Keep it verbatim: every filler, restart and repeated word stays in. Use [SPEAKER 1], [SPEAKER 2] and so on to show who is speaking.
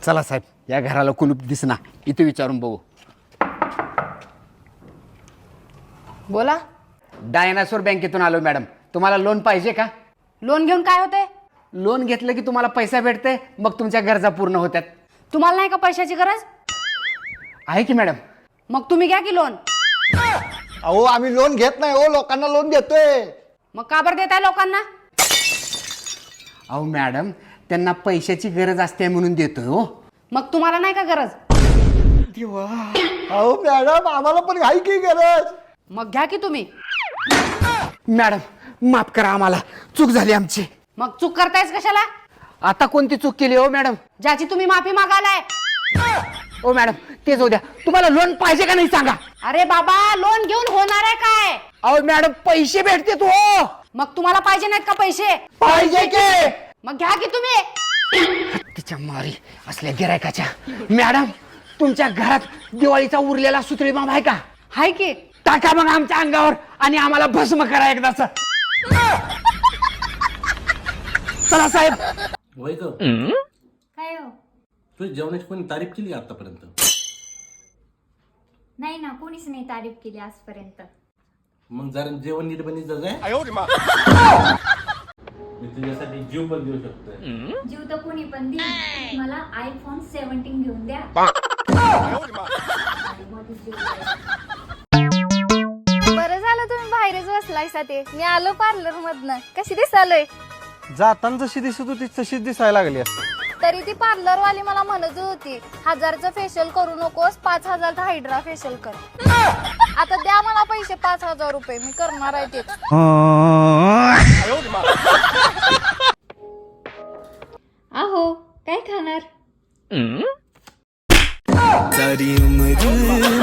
[SPEAKER 1] चला साहेब, या घराला कुलूप दिसना, इथे विचारून बघू.
[SPEAKER 2] बोला.
[SPEAKER 1] डायनासोर बँकेतून आलो मॅडम. तुम्हाला लोन पाहिजे का?
[SPEAKER 2] लोन घेऊन काय होते?
[SPEAKER 1] लोन घेतलं की तुम्हाला पैसा भेटते, मग तुमच्या गरजा पूर्ण होतात.
[SPEAKER 2] तुम्हाला नाही का पैशाची गरज?
[SPEAKER 1] आहे की मॅडम.
[SPEAKER 2] मग तुम्ही घ्या की लोन.
[SPEAKER 3] अहो आम्ही लोन घेत नाही हो, लोकांना लोन देतोय.
[SPEAKER 2] मग का बरं देताय लोकांना?
[SPEAKER 1] अहो मॅडम, त्यांना पैशाची गरज असते म्हणून देतोय हो.
[SPEAKER 2] मग तुम्हाला नाही का गरज?
[SPEAKER 3] अहो मॅडम, आम्हाला पण आहे की गरज.
[SPEAKER 2] मग घ्या की तुम्ही.
[SPEAKER 1] मॅडम माफ करा, आम्हाला चूक झाली आमची.
[SPEAKER 2] मग चूक करतायच कशाला?
[SPEAKER 1] आता कोणती चूक केली हो मॅडम?
[SPEAKER 2] ज्याची तुम्ही माफी मागालाय.
[SPEAKER 1] ओ मॅडम, तेच होऊ द्या. तुम्हाला लोन पाहिजे का नाही सांगा.
[SPEAKER 2] अरे बाबा, लोन घेऊन होणार आहे काय?
[SPEAKER 1] अहो मॅडम, पैसे भेटते तो.
[SPEAKER 2] मग तुम्हाला पाहिजे नाहीत का पैसे?
[SPEAKER 1] पाहिजे की.
[SPEAKER 2] मग घ्या की तुम्ही.
[SPEAKER 1] तिच्या मारी असल्या गिरायकाच्या. मॅडम, तुमच्या घरात दिवाळीचा उरलेला सुतळी बाम आहे का?
[SPEAKER 2] हाय की.
[SPEAKER 1] टाका मग आमच्या अंगावर आणि आम्हाला भस्म करा एकदाच. चला साहेब.
[SPEAKER 4] वय ग
[SPEAKER 5] काय हो?
[SPEAKER 4] तुझ्या जेवणाची कोणी तारीफ केली आतापर्यंत?
[SPEAKER 5] नाही ना, कोणीच नाही तारीफ केली आजपर्यंत.
[SPEAKER 4] मग जरा जेवण नीट बनी जाय. मी तुझ्यासाठी जीव पण देऊ शकतोय.
[SPEAKER 5] जीव तर कोणी पण देईल. मला आयफोन सेव्हन्टीन घेऊन द्या.
[SPEAKER 6] बरं झालं तुम्ही बाहेरच बसलायसा. ते मी आलो पार्लर मधनं. कशी दिसालोय?
[SPEAKER 3] जाताना जशी दिसत होती तशीच दिसायला लागली.
[SPEAKER 6] तरी ती पार्लर वाली मला म्हणत होती, हजारचं फेशियल करू नकोस, पाच हजारचा हायड्रा फेशियल कर. आता द्या मला पैसे, पाच हजार रुपये मी करणार आहे ते.
[SPEAKER 5] अहो काय खाणार?
[SPEAKER 7] सारी उम्र